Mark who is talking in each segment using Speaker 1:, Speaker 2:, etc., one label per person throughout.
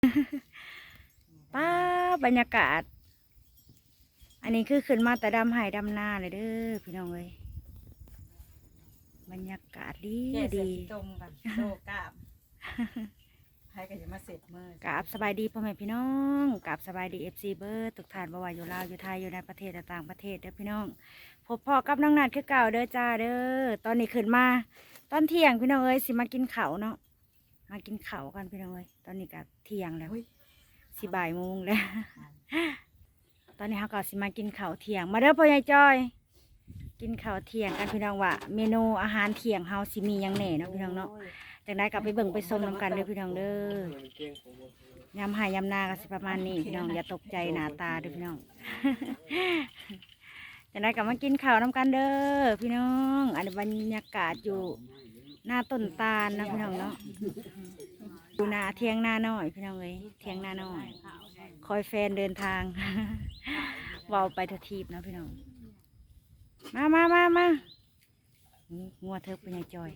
Speaker 1: ป้าบรรยากาศอันนี้คือขึ้นมาแต่ดำไห่ดำนาเลยเด้อพี่น้องเอ้ยบรรยากาศดีดี
Speaker 2: ตรงกันโลกาบให้กันจะมาเสร็จเมื่อก
Speaker 1: ราบสบายดีพ่อแม่พี่น้องกราบสบายดีFCเบิร์ดทุกท่านบ่ว่าอยู่ลาวอยู่ไทยอยู่ในประเทศและต่างประเทศเด้อพี่น้องพบพ่อกับน้องนัดคือเก่าเด้อจ้าเด้อตอนนี้ขึ้นมาตอนเที่ยงพี่น้องเอ้ยสิมากินข้าวเนาะมากินข้าวกันพี่น้องเอ้ยตอนนี้ก็เที่ยงแล้วสิบ่ายโมงแล้ว ตอนนี้เขาก็สิมากินข้าวเที่ยงมาเด้อพ่อใหญ่จอยกินข้าวเที่ยงกันพี่น้องว่าเมนูอาหารเที่ยงเฮาสิมีหยังแหน่เนาะพี่น้องเนาะจากนั้นกลับไปเบิ่งไปชมน้ำกันเด้อพี่น้องเด้อยำหายำนาก็สิประมาณนี้พี่น้องอย่าตกใจหน้าตาเด้อพี่น้อง จากนั้นกลับมากินข้าวน้ำกันเด้อพี่น้องอันนี้บรรยากาศอยู่หน้าต้นตาลนะพี่น้องเนาะดูนาเที่ยงหน้าน้อยพี่น้องเอ้ยเที่ยงหน้าน้อยคอยแฟนเดินทาง เว้าไปททีบนะพี่น้องมางัวเธอเป็นไงจอย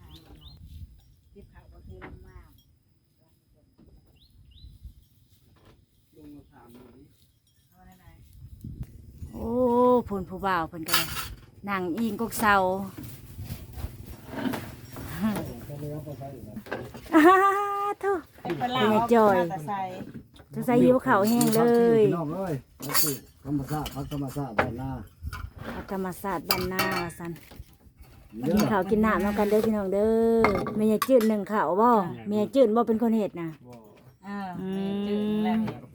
Speaker 1: โอ้ผลผู้บ่าวผลกันเลยนั่งอิงกกเสาทุกเป็นไงจอยจะใส่ยิ้วเขาแห้งเลย
Speaker 3: น้องเอ้ยธรรมชาติพักธรรมชาติบ้านนา
Speaker 1: ธรรมศาสตร์บ้านนาสันกินข้าวกินน้ำน้ำกันเด้อพี่น้องเด้อเมียจืดหนึ่งข้าวบ่เมียจืดบ่เป็นคนเห็ดนะ
Speaker 2: จืดแล้ว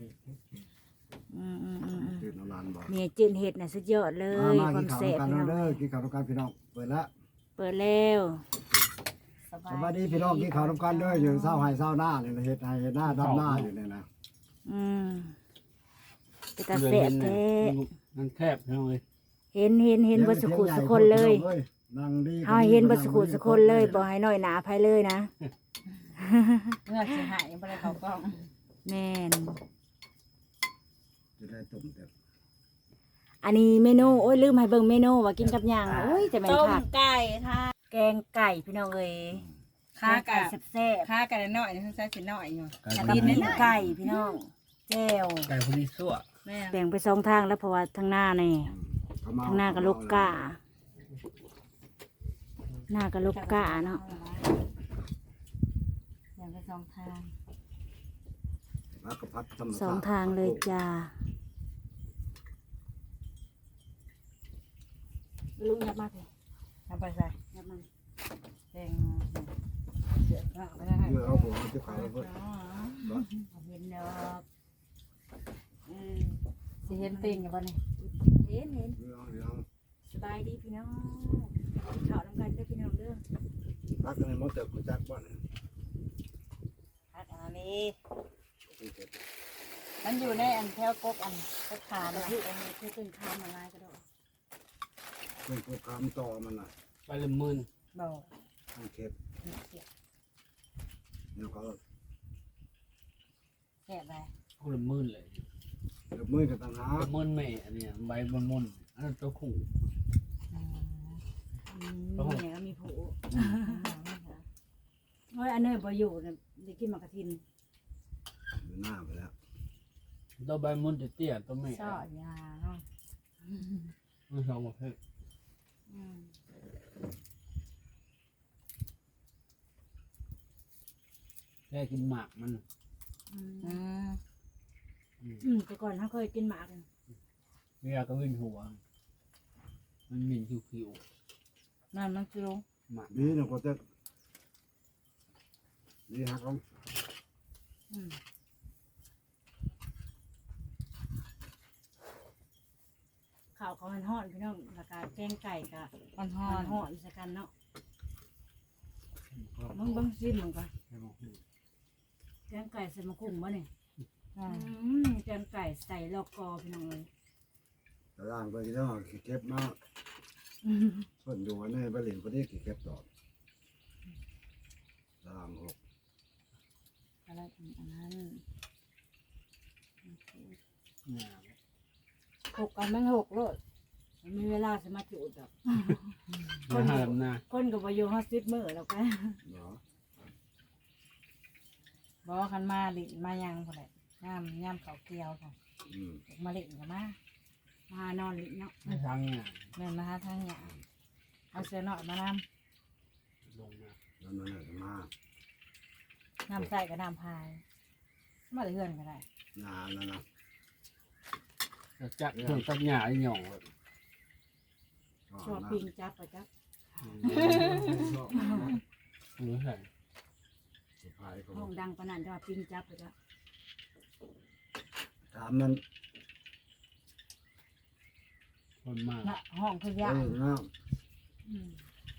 Speaker 3: ตื่นนอนบ่
Speaker 1: เมียจืดเห็ดน่ะสุดยอดเลยความแซ่บพี่น้อง
Speaker 3: กินข้าวกันพี่น้องเปิด
Speaker 1: แล้ว
Speaker 3: สวัสดีพี่น้องกินข้าวกันเด้ออยู่เช้าไห้เช้าหน้าเนี่ยเฮ็ดไห้เฮ็ดหน้าดำหน้าอยู่เนี่ยนะ
Speaker 1: เป็นตาแซ่บแท้
Speaker 4: มันแคบพี่น้องเลย
Speaker 1: เห็นบ่สุขุสุคนเลยเอาเห็นบ่สุขุสุคนเลยบ่ให้น้อยหนาภัยเลยนะ
Speaker 2: เมื่อสิหายบ่ได้เข้ากล้อง
Speaker 1: แม่น
Speaker 3: จะได้ต้มเด็ด
Speaker 1: อันนี้เมนูโอ้ยลืมให้เบิ่งเมนูว่ากินกับหยังโอ้ยจะแม่นค่ะ
Speaker 2: ต้มไก่ค่ะ
Speaker 1: แกงไก่พี่น้องเอ้ย
Speaker 2: ข้าไก่
Speaker 1: แซ่บ
Speaker 2: ข้าไก่น้อยๆใส่สิน้อยอยู่
Speaker 1: กินไก่พี่น้องแจ่ว
Speaker 4: ไก่พวกนี้ซั่ว
Speaker 1: แบ่งไป2ทางแล้วเพราะว่าทางหน้านี่ทางหน้ากับลูกกาหน้ากับลูกกาเนาะ
Speaker 2: แบ่งไป2 ทาง
Speaker 1: 2 ทางเลยจ้าลุงยับมากเลย
Speaker 2: เอาไปใส่
Speaker 1: ยับมา
Speaker 2: แบ่งเสือไปได้ให้
Speaker 3: เอาหัวจะขายเพิ่น
Speaker 1: เห็นดอก
Speaker 2: สิเห็นติ่งอยู่บ่นี่
Speaker 1: เห็นสบายดีพี่น้องข้าวน้ำกันเด้อพี่น้องเด้อ
Speaker 3: พักกันให้หมดเติบกูจักบ่เนี่ย
Speaker 2: พักอันนี้มันอยู่ในอันแถวกบอันกบขาเลย
Speaker 1: ที่อันนี้คือเป็นข้าวมาลายกระโดด
Speaker 3: เป็นกูคำต่อมันน่ะ
Speaker 4: ไปละหมื่น
Speaker 2: บ่
Speaker 3: มันเข็บเดี๋ยวเขา
Speaker 2: แซ่บได้
Speaker 4: คนละหมื่นเลย
Speaker 3: เดี๋ยวมือกับต่างหาก
Speaker 4: หมื่นแม่อันนี้ใบบนมุนอันนั้นตัวขู่
Speaker 1: เนี่ยมีผูโอ้ยอันนี้บ่อยู่เนี่ยได้กินมากระทิน
Speaker 3: อยู่หน้าไปแล้ว
Speaker 4: ตัวใบมุนจะเตี้ยตัวแม่
Speaker 2: ซอยาเนาะ
Speaker 4: มันสองประเภทแค่กินหมากมัน
Speaker 1: แต่ก่อนเขาเคยกินหมาก
Speaker 4: เวลาก็วิ่งหัวมันหมิ่นคิว
Speaker 2: นั่นมันคือ
Speaker 4: หมาก
Speaker 3: นี่เนี่ยก็จะนี่ฮักลง
Speaker 1: ข้าวเขามันห่อนพี่น้องราคาแกงไก่กับมันห่อนสักกันเนาะมึงซิมมึงก่อนแกงไก่ใส่มะขุ่มบ่เนี่ยแกงไก่ใส่ลอกกอพี่น้องเลย
Speaker 3: ตารางไปที่ต้องเก็บมากส่วนอยู่ในบริเวณพอดีเก็บต่อตาราง6
Speaker 1: อะไรอันนั้น6กันมัน6เลยมีเวลาสมาธิอุดแบบคนกับวายุ50 มื้อแล้วกัน
Speaker 2: บอกคันมาหลินมายังพอแหละย่ำเขาเกี่ยวค่ะ
Speaker 3: อืม
Speaker 2: มาหลินกับมามานอนหลินเนาะ
Speaker 4: ไม่ทางเนี่ย
Speaker 2: แม่นมาหาทางหยาเอาเสื้อหน่อยมาน
Speaker 4: ลงมา
Speaker 3: แล้วนั่นน่ะมา
Speaker 2: น้ำใส่กับน้ำพายมาเลื่อนก็ได้
Speaker 3: หนานั่นน่ะ
Speaker 4: จะจักเครื่องตัดหญ้าไอ้หย่องเลย
Speaker 2: ชอบปิงจับไปจับ
Speaker 4: หรือใส่
Speaker 3: สุดท้ายเขา
Speaker 2: ห้องดังปานนั้นจะว่าปิงจับไปจับ
Speaker 3: ถามมัน
Speaker 4: คนมาก
Speaker 2: น่ะห้องคือยา
Speaker 3: นะ
Speaker 2: อืม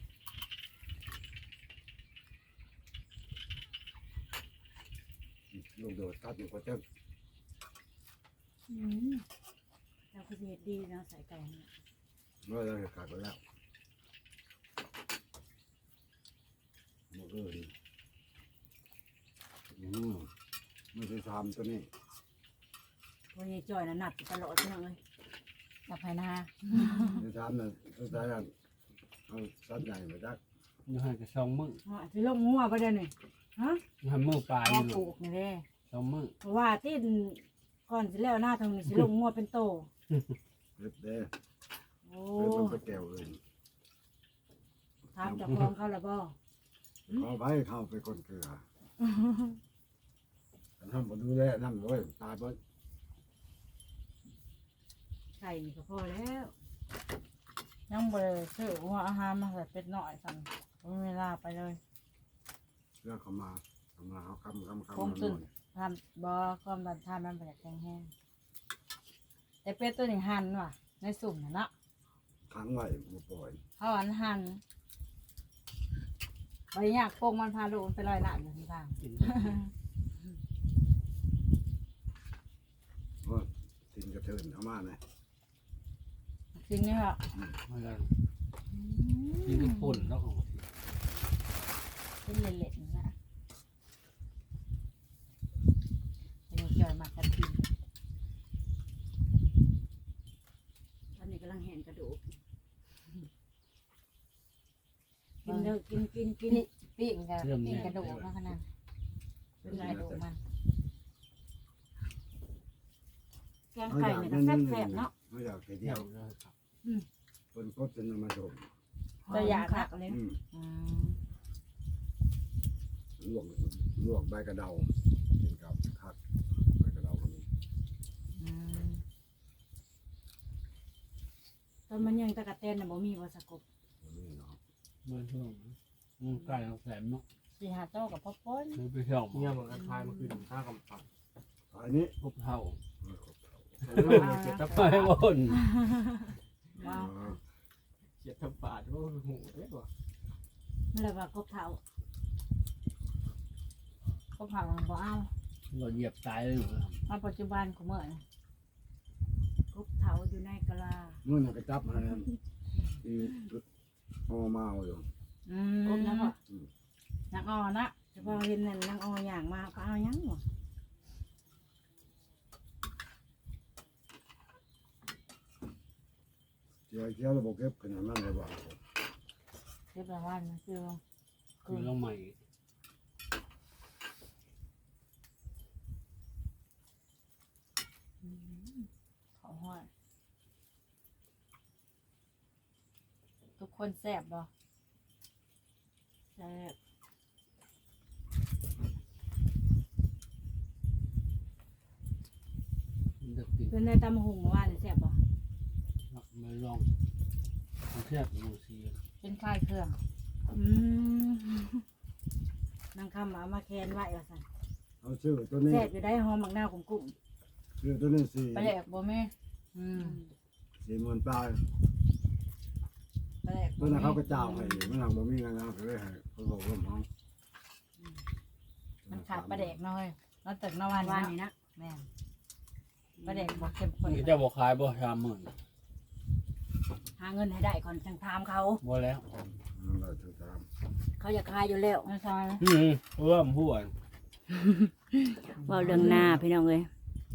Speaker 3: ลูกโดดตัดอยู่ก็จะ
Speaker 2: อืมเราคือเฮ็ดดีเนาะใส่ไก่เนี่ย
Speaker 3: เมื่อเราเห็นขาดไปแล้วหมดเลยไม่ใช่ทำตัวนี้
Speaker 2: วันนี้จ่อยน่ะหนักอยู่ตลอดพี่น้องเอ้ยจับให้นา
Speaker 3: ไม่ทำน่ะสุดท้ายเอาสัตว์ใหญ่มาจัก
Speaker 4: อยู่ให้กับ2 มื้อ
Speaker 2: อ๋อสิลงงัวบ่ได้นี่ฮะ
Speaker 4: อยู่ให้มื้อปลาย
Speaker 2: พอ
Speaker 4: นี่
Speaker 2: ปลูกนี่เด้
Speaker 4: 2 มื้อ
Speaker 2: เพราะว่าที่ก่อนสิแล้วหน้าทางนี้สิลงงัวเป็นโต
Speaker 3: เล็บเด้
Speaker 2: โอ้
Speaker 3: เล็บมันไปแก้วเลย
Speaker 2: ถามเจากของเขาแล้วบ่
Speaker 3: เข้าไปเข้าไปคนเกลือแต่ทำมาดูแลนั่นเลยตายไป
Speaker 2: ไก่นี่ก็พอแล้วยังบ่ได้ซื้อหัวอาหารมาใส่เป็ดน้อยสั่นบ่มีเวลาไปเลย
Speaker 3: เรื่องเขามาเขาคำ
Speaker 2: คงตื่นทำบ่ความดันทานมันบ่อยากแข็งแห้งแต่เป็ดตัวนี้หั่นว่ะในสุ่มน่ะเนาะ
Speaker 3: ขังไว้มาปล่อย
Speaker 2: เขาหั่นบ่อยากโป่งมันพาลูกมันไปลอยน้ำอยู่ที่บ้าน
Speaker 4: กิน
Speaker 3: เพราะทิ้งกระเทินเอามาเลย
Speaker 2: จริงเนี่ยค่ะ
Speaker 4: มาแล้วกินกับป่นแล้วของ
Speaker 2: เป็นเละๆนี่นะเป็นจ่อยมากกระทิงตอนนี้กำลังเห็นกระดูกกินเด้อกินปิ้งกับปิ้งกระดูกมาขนาดเป็นกระดูกมันแกงไก่เนี่ยก็แซ่บๆเนาะ
Speaker 3: ไม่อยากไป
Speaker 4: เที่
Speaker 3: เที่
Speaker 4: ย
Speaker 3: ยว ว
Speaker 4: เลยครับ
Speaker 3: คนก็จะนำมาชม
Speaker 2: เราอยากหักเลย
Speaker 3: ลวกใบกระเดากินกับคักใบกระเดาก็มี
Speaker 2: ตอนมันยังตะกะเตนน่ะบ่มีบ่สะกบ
Speaker 3: นี่เนาะ
Speaker 4: เมื่อช่วงใกล้เอาแสมเนาะ
Speaker 2: สิหาโตกับพ่อป้น
Speaker 4: เลยไปเที่ยว
Speaker 5: เนี่ยมันก็คล้ายมันคือข้าวกำปั้น
Speaker 3: อันนี้
Speaker 4: พบเท่า
Speaker 5: เจ็ดทับ
Speaker 4: ไป
Speaker 5: ปาด
Speaker 4: บ่น
Speaker 2: ว้าว
Speaker 5: เจ็ดทับปาดว่าหูเด้อว่ะ
Speaker 2: มันเลยว่ากบเฒ่ากบเฒ่ามันบ่เอา
Speaker 4: เราเหยียบตายเลยเหรอ
Speaker 2: มาปัจจุบันของเมื่อนี่กบเฒ่าอยู่ในกะลา
Speaker 3: เมื่อนักจับมาอีพอมาอยู่
Speaker 2: กบนะพ่อนักออนะเฉพาะเห็นนั่นนางออย่างมาก็เอาหยังบ่
Speaker 3: เจียวระบบเก็บขนาดนั้นเลยว่า
Speaker 2: เรียบร้อยนะคือ
Speaker 4: คือเราใหม่
Speaker 2: เขาห้อยทุกคนแซ่บบ่แซ่บ
Speaker 4: เด็กติด
Speaker 2: เป็นในตำหุงเมื่อวานนี่แซ่บบ่
Speaker 4: มาลองเทียบดูสิ
Speaker 2: เป็นคลายเครื่องนางคำเอามาแคนไว้ว่าซั่น
Speaker 3: เอาชื่อตัวนี้
Speaker 2: แซ่บอยู่ได้หอมมักนาวกุ้ง
Speaker 3: ชื่อตัวนี้สี่
Speaker 2: ปลาแหลกบ่แม่
Speaker 3: 40,000 ปลาย
Speaker 2: ปลาแหลก
Speaker 3: ตัวนั้นเขาก็เจ้าให้มันหลังบ่มีงานเขาเลยให้เขาบอกว่าห้อง
Speaker 2: มันขาดปลาแดกน้อยแล้วตึกนวันนี่นะแม่นปลาแดกบ่เข้มข้น
Speaker 4: นี่จะบอกขายบ่30,000
Speaker 2: หาเงินให้ได้ก่อนจังถามเขา
Speaker 4: บ่แล้ว
Speaker 3: นั่นแหละถือตาม
Speaker 2: เขาอยากขายอยู่แล้วไม่ใช่
Speaker 4: เริ่มพูด
Speaker 1: เว้าเรื่องหน้าพี่น้องเอ้ย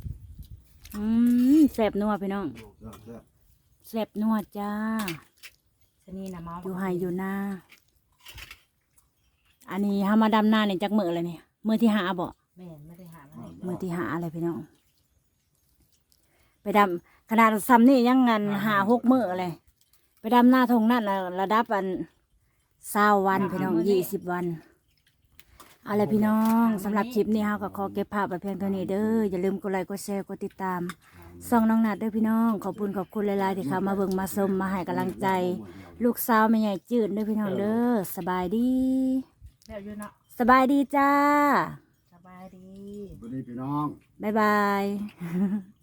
Speaker 1: แซ่บนัวพี่น้อง
Speaker 3: แซ่บ
Speaker 1: แซ่บนัวจ้า
Speaker 2: ชนีน่ะเมา
Speaker 1: อยู่ไฮอยู่หน้า อันนี้เฮามาดำหน้านี่จักมื้อเลยนี่มื้อที่5บ่
Speaker 2: แแม่ไม่ได้หาอะไร
Speaker 1: มือที่หาอะไรพี่น้องไปดำขนาดซ้ำนี่ยังเงินหา6 มื้อเลยไปดำหน้าทงนั่นน่ะระดับ20 วันพี่น้อง20 วันเอาล่ะพี่น้องสำหรับคลิปนี้เฮาก็ขอเก็บภาพไว้เพียงเท่านี้เด้ออย่าลืมกดไลค์กดแชร์กดติดตามส่องน้องนัดเด้อพี่น้องขอบคุณหลายๆที่เข้ามาเบิ่งมาชมมาให้กำลังใจ ลูกสาวแม่ใหญ่จืดเด้อพี่น้องเด้อสบายดี
Speaker 2: แบบอยู่เนาะ
Speaker 1: สบายดีจ้า
Speaker 2: สบายดี
Speaker 3: วันนี้พี่น้อง
Speaker 1: บ๊ายบาย